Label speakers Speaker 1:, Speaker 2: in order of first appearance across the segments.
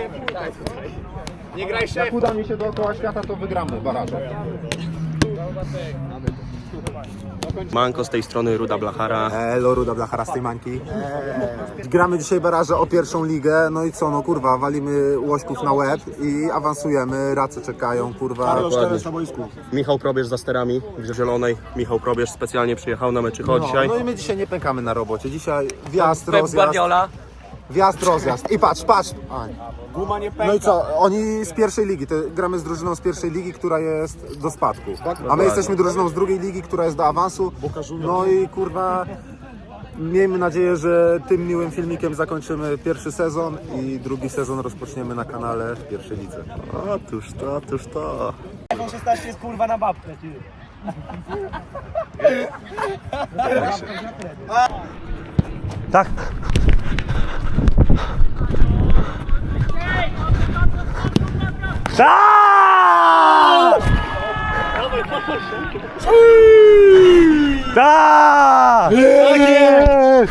Speaker 1: Nie graj szef.
Speaker 2: Jak uda mi się dookoła świata, to wygramy barażem.
Speaker 3: Manko z tej strony, Ruda Blachara.
Speaker 2: Elo, Ruda Blachara z tej mańki. Gramy dzisiaj baraże o pierwszą ligę, no i co, no kurwa, walimy łośków na łeb i awansujemy, race czekają, kurwa.
Speaker 3: Michał Probierz za sterami w zielonej. Michał Probierz specjalnie przyjechał na meczycho dzisiaj.
Speaker 2: No i my dzisiaj nie pękamy na robocie, dzisiaj wjazd,
Speaker 1: Pep
Speaker 2: rozjazd.
Speaker 1: Guardiola.
Speaker 2: Wjazd, rozjazd. I patrz.
Speaker 1: Guma nie pęka.
Speaker 2: No i co, oni z pierwszej ligi, to gramy z drużyną z pierwszej ligi, która jest do spadku. A my jesteśmy drużyną z drugiej ligi, która jest do awansu. No i kurwa, miejmy nadzieję, że tym miłym filmikiem zakończymy pierwszy sezon i drugi sezon rozpoczniemy na kanale w pierwszej lidze.
Speaker 3: Otóż to.
Speaker 1: iPhone 16 jest kurwa na babkę, ty.
Speaker 4: Tak. Tak! Tak! Jest!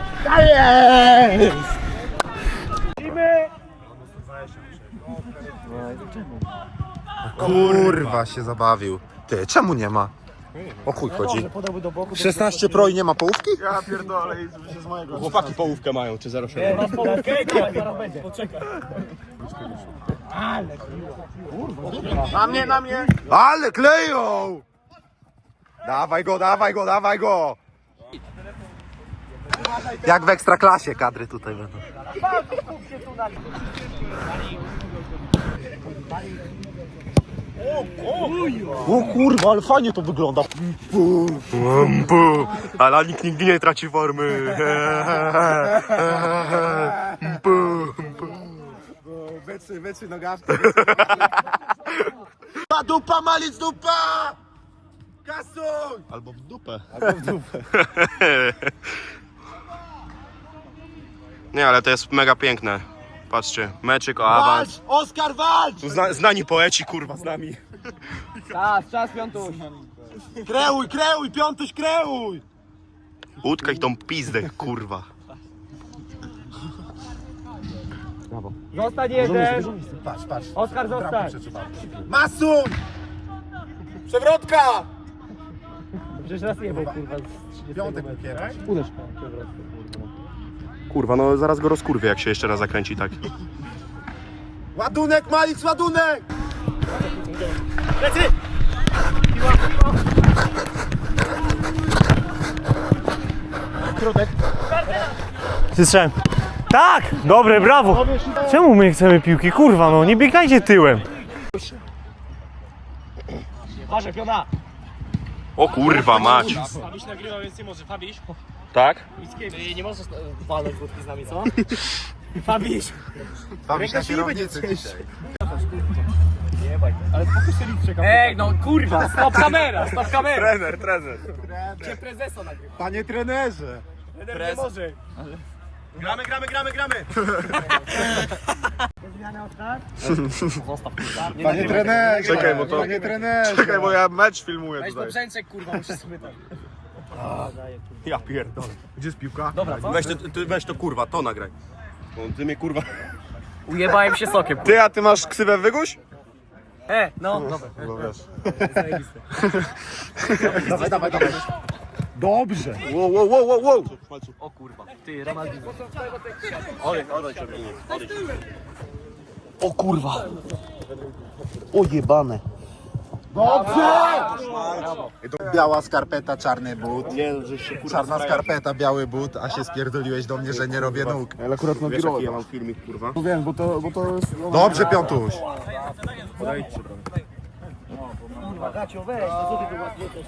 Speaker 2: Kurwa się zabawił. Ty, czemu nie ma? O chuj chodzi. 16 Pro i nie ma połówki?
Speaker 3: Chłopaki połówkę mają, czy 0,7?
Speaker 1: Poczekaj.
Speaker 2: Na mnie! Ale kleją! Dawaj go! Jak w Ekstraklasie kadry tutaj będą. O kurwa, ale fajnie to wygląda.
Speaker 3: Ale nikt nigdy nie traci formy.
Speaker 2: Wytrzy nogawki. Dupa, malic dupa! Kasuj!
Speaker 3: Albo w dupę. Nie, ale to jest mega piękne. Patrzcie, meczyk o awans.
Speaker 2: Oskar, walcz!
Speaker 3: Tu znani poeci, kurwa, z nami.
Speaker 1: Czas piątuś.
Speaker 2: Kreuj, piątuś, kreuj!
Speaker 3: Utkaj tą pizdę, kurwa.
Speaker 1: Zostań jeden.
Speaker 2: Patrz.
Speaker 1: Oskar, zostań.
Speaker 2: Masuj! Przewrotka!
Speaker 1: Przecież raz nie był kurwa.
Speaker 2: Piątek wypierasz.
Speaker 1: Uderz.
Speaker 3: Kurwa, no zaraz go rozkurwię, jak się jeszcze raz zakręci tak.
Speaker 2: Ładunek, Malic, ładunek!
Speaker 4: Słyszałem. Tak! Dobre, brawo! Czemu my nie chcemy piłki? Kurwa, no nie biegajcie tyłem.
Speaker 1: Patrz, piona.
Speaker 3: O kurwa, mać.
Speaker 1: Fabiś nagrywa, więc nie może. Fabiś.
Speaker 3: Tak?
Speaker 1: Ty nie możesz walnąć wódki z nami, co? Fabiś.
Speaker 2: Bawisz na kierownicy dzisiaj.
Speaker 1: Ej, no kurwa, stop kamera.
Speaker 3: Trener.
Speaker 1: Gdzie prezesa nagrywa?
Speaker 2: Panie trenerze!
Speaker 1: Trener nie może.
Speaker 3: Gramy.
Speaker 2: Panie trenerze!
Speaker 3: Czekaj, bo to-
Speaker 2: Panie trenerze!
Speaker 3: Czekaj, bo ja mecz filmuję
Speaker 1: Weź do brzęczek, kurwa, musisz sobie tam.
Speaker 3: Ja pierdolę.
Speaker 2: Gdzie jest piłka?
Speaker 1: Dobra, co?
Speaker 3: Weź to kurwa, to nagraj. No, ty mnie kurwa...
Speaker 1: Ujebałem się sokiem.
Speaker 3: Ty, a ty masz ksywę Wyguś?
Speaker 1: No, dobra.
Speaker 3: No wiesz.
Speaker 2: Dawaj. Dobrze!
Speaker 3: Wow.
Speaker 1: O kurwa, ty, Ronaldinho.
Speaker 2: O kurwa! O jebane! Dobrze! Biała skarpeta, czarny but. Czarna skarpeta, biały but, a się spierdoliłeś do mnie, że nie robię nóg.
Speaker 3: Ale akurat na wiesz, jaki ja mam filmik, kurwa?
Speaker 2: Wiem, bo to jest... Dobrze, Piątuś!
Speaker 1: Kurwa, Gacio, weź, no co ty tu ładnie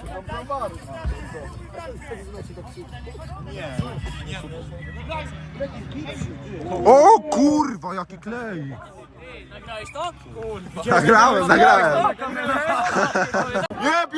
Speaker 2: O kurwa, jaki klej!
Speaker 1: Nagrałeś to? Kurwa.
Speaker 2: Nagrałem!
Speaker 3: Jeb!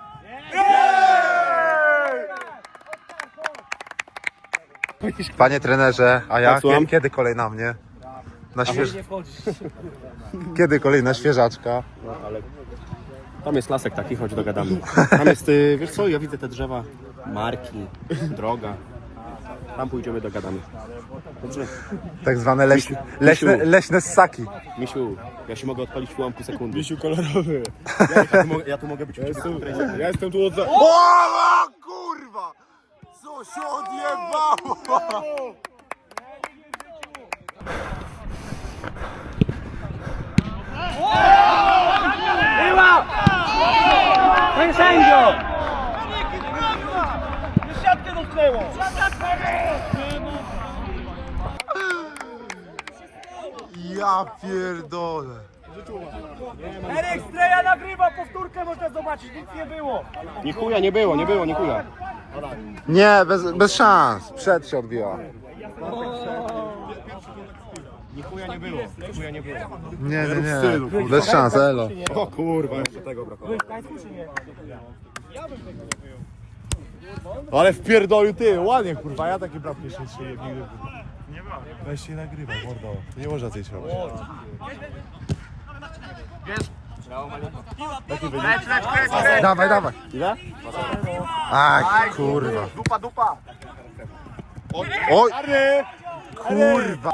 Speaker 2: Panie trenerze, a ja?
Speaker 3: Tak, słucham?
Speaker 2: Kiedy kolej na mnie?
Speaker 1: Nie wchodzisz.
Speaker 2: Kiedy kolejna świeżaczka?
Speaker 3: Tam jest lasek taki, chodź dogadamy. Tam jest, wiesz co, ja widzę te drzewa, marki, droga. Tam pójdziemy, dogadamy. Dobrze.
Speaker 2: Tak zwane leśne ssaki.
Speaker 3: Misiu, ja się mogę odpalić w ułamku sekundy.
Speaker 5: Misiu kolorowy.
Speaker 3: Ja tu mogę być
Speaker 5: Ja jestem tu od za...
Speaker 2: O kurwa! Co się odjebało?
Speaker 1: Panie sędzio!
Speaker 2: Ja pierdolę.
Speaker 1: Eryk Streja nagrywa powtórkę, można zobaczyć, nic nie było.
Speaker 3: Ni chuja nie było, ni chuja.
Speaker 2: Nie, bez szans. Przed się odbiła.
Speaker 3: Ni chuja nie było,
Speaker 2: Nie. Bez szans, elo.
Speaker 3: O kurwa, jeszcze tego brakowało.
Speaker 5: Ale wpierdolił ty, ładnie kurwa, ja takie bramki jeszcze nigdy. Weź się nagrywa, mordo. Nie można coś robić.
Speaker 2: Dawaj.
Speaker 5: Ile?
Speaker 2: Aj, kurwa.
Speaker 1: Dupa.
Speaker 2: Oj,
Speaker 5: Czarny!
Speaker 2: kurwa.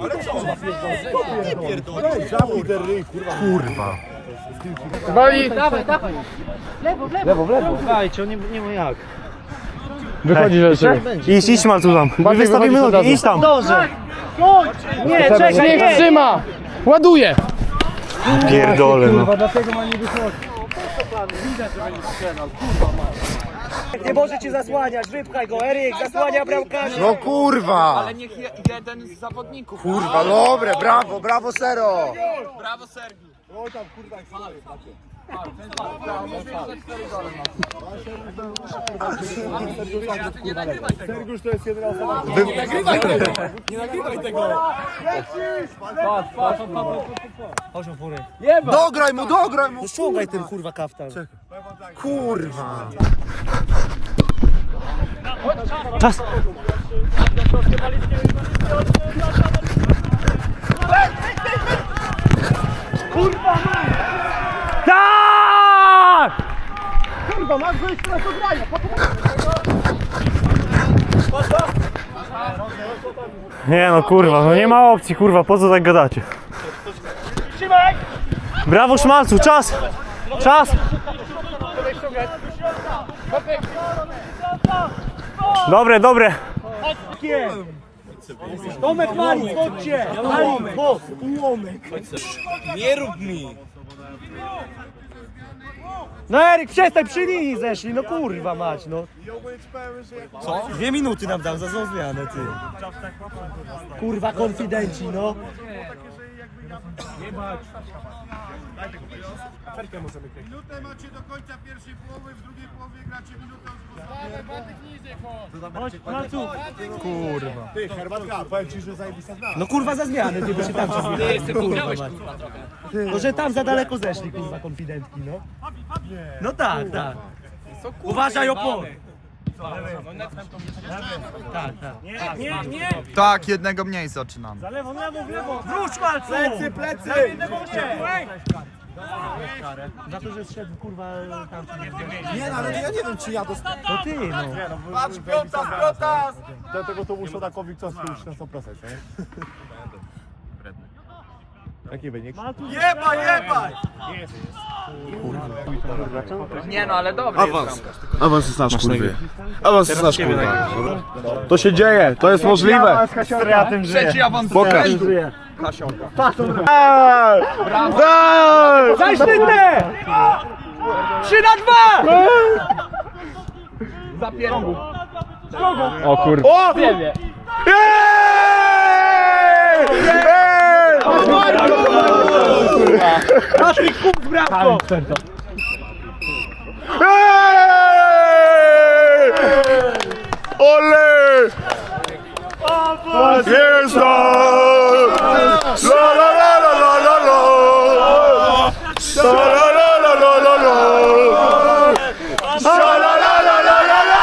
Speaker 5: Zamknij ten ryj, kurwa.
Speaker 2: Kurwa.
Speaker 1: Dawaj. Lewo. Dajcie, nie ma jak.
Speaker 4: Wychodzi rzeczy. Idź Marcu tam. Wystawimy nogi, idź tam.
Speaker 1: Dobrze. Nie, czekaj, nie.
Speaker 6: Trzyma! Ładuje!
Speaker 4: Pierdolę, no.
Speaker 1: Nie może cię zasłaniać, wypchaj go, Eryk, zasłania bramkarza.
Speaker 2: No kurwa.
Speaker 6: Ale niech jeden z zawodników.
Speaker 2: Kurwa, dobre, brawo Sero.
Speaker 6: Brawo Sergiu!
Speaker 5: Sergiusz to jest jedyna osoba.
Speaker 2: Dograj mu.
Speaker 1: Ściągaj ten kurwa kaftan.
Speaker 2: Kurwa.
Speaker 4: Czas. Tak! Nie no kurwa, no nie ma opcji kurwa, po co tak gadacie? Brawo Szmalcu, czas! Dobre.
Speaker 1: Tomek Mali, chodźcie! Ułomek.
Speaker 6: Nie rób mi!
Speaker 1: No Eryk, przestań, przy linii zeszli, no kurwa mać, no. Co? 2 minuty nam dał za złą zmianę, ty. Kurwa, konfidenci, no.
Speaker 2: Minutę macie do końca pierwszej połowy, w drugiej połowie gracie minutę.
Speaker 5: Ty, herbatka, powiem ci, że zajebista zna.
Speaker 1: No kurwa za zmianę, ty, bo się tam zmieniłeś, kurwa mać. No, że tam za daleko zeszli, kurwa, konfidentki, no. No tak. Uważaj opory. Tak. Nie.
Speaker 7: Tak, jednego mniej zaczynamy.
Speaker 1: Lewo. Wróć, Malcu! Plecy! Za to, że zszedł, kurwa, tam.
Speaker 2: Nie, no ale ja nie wiem czy ja dostałem.
Speaker 1: No ty, no.
Speaker 5: Patrz, piąta! Dlatego to muszą takowi co już na 100%, nie? Jaki wynik?
Speaker 1: Jebaj!
Speaker 6: Nie no, ale dobry
Speaker 5: Awans jest nasz, kurwa. Awans jest nasz, kurwa. To się dzieje, to jest możliwe.
Speaker 6: Trzeci awans.
Speaker 5: Pokaż.
Speaker 1: Zajszczytne! 3-2!
Speaker 6: Zapierągu.
Speaker 5: O kurwa. O!
Speaker 1: Patryk Kuk z bramką!
Speaker 5: Ole! Jest La la la la la la la! La la la la la la la! La la la la la la la!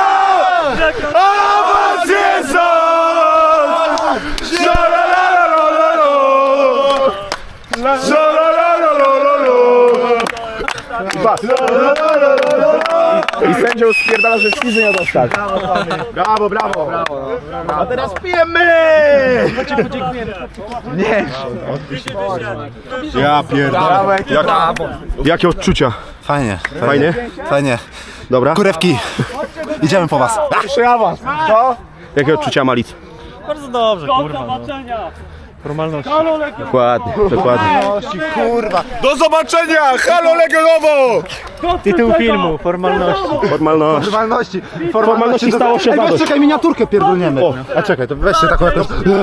Speaker 5: Awans jest! La la la la la la la! La la la la la la la! kurwa. I sędzią spierdala, że wstydzę nie dostać. Brawo, brawo. A teraz pijemy! Nie. Ja pierdolę. Jakie odczucia?
Speaker 2: Fajnie,
Speaker 5: Fajnie?
Speaker 2: fajnie.
Speaker 5: Dobra.
Speaker 2: Kurewki, idziemy po was.
Speaker 5: Jeszcze ja was. Co? Jakie odczucia, Malic?
Speaker 4: Bardzo dobrze, kurwa. No. Formalności.
Speaker 5: Dokładnie, dokładnie.
Speaker 2: Kurwa.
Speaker 5: Do zobaczenia! Halo Legionowo!
Speaker 4: Tytuł filmu, formalności.
Speaker 5: Formalności.
Speaker 2: Formalności
Speaker 5: stało się
Speaker 2: Ej,
Speaker 5: zadość.
Speaker 2: czekaj, miniaturkę pierdolniemy. A czekaj, to weźcie taką jakąś...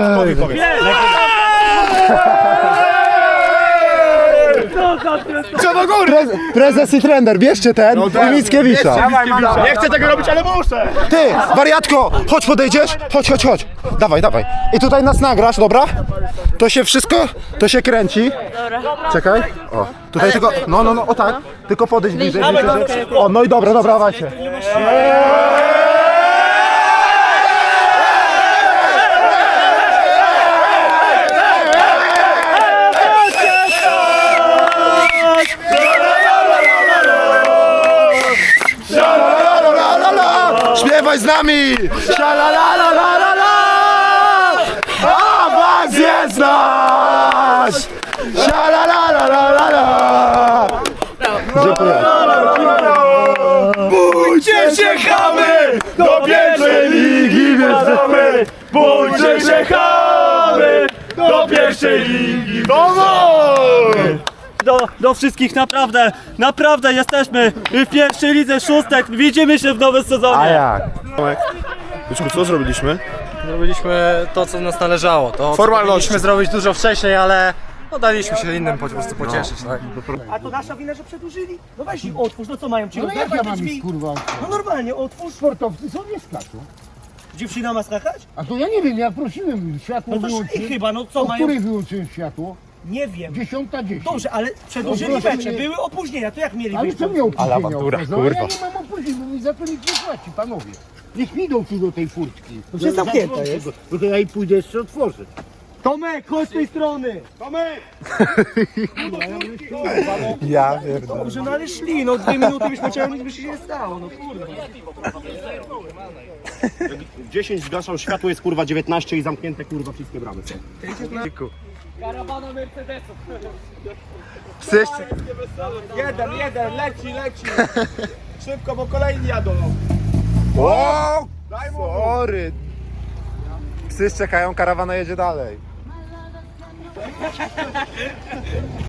Speaker 5: Co do góry!
Speaker 2: Prezes i trener, bierzcie ten i Mickiewicza.
Speaker 5: Nie chcę tego robić, ale muszę!
Speaker 2: Ty, wariatko, chodź podejdziesz? Chodź. Dawaj. I tutaj nas nagrasz, dobra? To się wszystko, to się kręci. Dobra. Czekaj. O, tutaj tylko, no, o tak. Tylko podejdź bliżej. O, no i dobra, dawajcie. Śpiewaj z nami! Shalalalalala! Awans jest nasz! Shalalalalala! Dziękuję.
Speaker 5: Bójcie się, chamy! Do pierwszej ligi wjeżdżamy! Bójcie się, chamy! Do pierwszej ligi wjeżdżamy!
Speaker 4: Do wszystkich naprawdę jesteśmy w pierwszej lidze szóstek. Widzimy się w nowym sezonie.
Speaker 2: jak?
Speaker 5: Byczku, co zrobiliśmy?
Speaker 8: Zrobiliśmy to, co nas należało. To
Speaker 5: Formalności.
Speaker 8: powinniśmy zrobić dużo wcześniej, ale no, daliśmy się innym po prostu pocieszyć, tak?
Speaker 1: A to nasza wina, że przedłużyli? No weź ich otwórz, no co mają ci rozdać te drzwi?
Speaker 9: Kurwa,
Speaker 1: No normalnie, otwórz.
Speaker 9: sportowcy są nie skaczą.
Speaker 1: Dziewczyna ma skakać?
Speaker 9: A to ja nie wiem, ja prosiłem, światło
Speaker 1: No to szli
Speaker 9: wyłączyłem.
Speaker 1: chyba, no co
Speaker 9: O
Speaker 1: mają?
Speaker 9: której wyłączyłem światło?
Speaker 1: Nie wiem.
Speaker 9: 10:10.
Speaker 1: Dobrze, ale przedłużyli
Speaker 9: No proszę
Speaker 1: mecze,
Speaker 9: mnie.
Speaker 1: były opóźnienia, to jak mieli
Speaker 9: Ale
Speaker 1: być?
Speaker 9: co mnie opóźnienia?
Speaker 2: awantura,
Speaker 9: Ja nie mam opóźnień, bo mi za to nikt nie płaci, panowie. Niech idą tu do tej furtki. To
Speaker 1: przecież zamknięta jest.
Speaker 9: No to ja i pójdę jeszcze otworzyć.
Speaker 1: Tomek, chodź z tej strony!
Speaker 2: Ja pierdolę.
Speaker 1: Dobrze, no ale szli, no 2 minuty byśmy czekali, nic by się nie stało, no kurwa.
Speaker 3: 10 zgaszał światło, jest kurwa 19 i zamknięte kurwa wszystkie bramy.
Speaker 6: Karawana Mercedesów.
Speaker 5: Jeden, leci. Szybko, bo kolejni jadą.
Speaker 2: O! Sorry. Psy czekają, karawana jedzie dalej.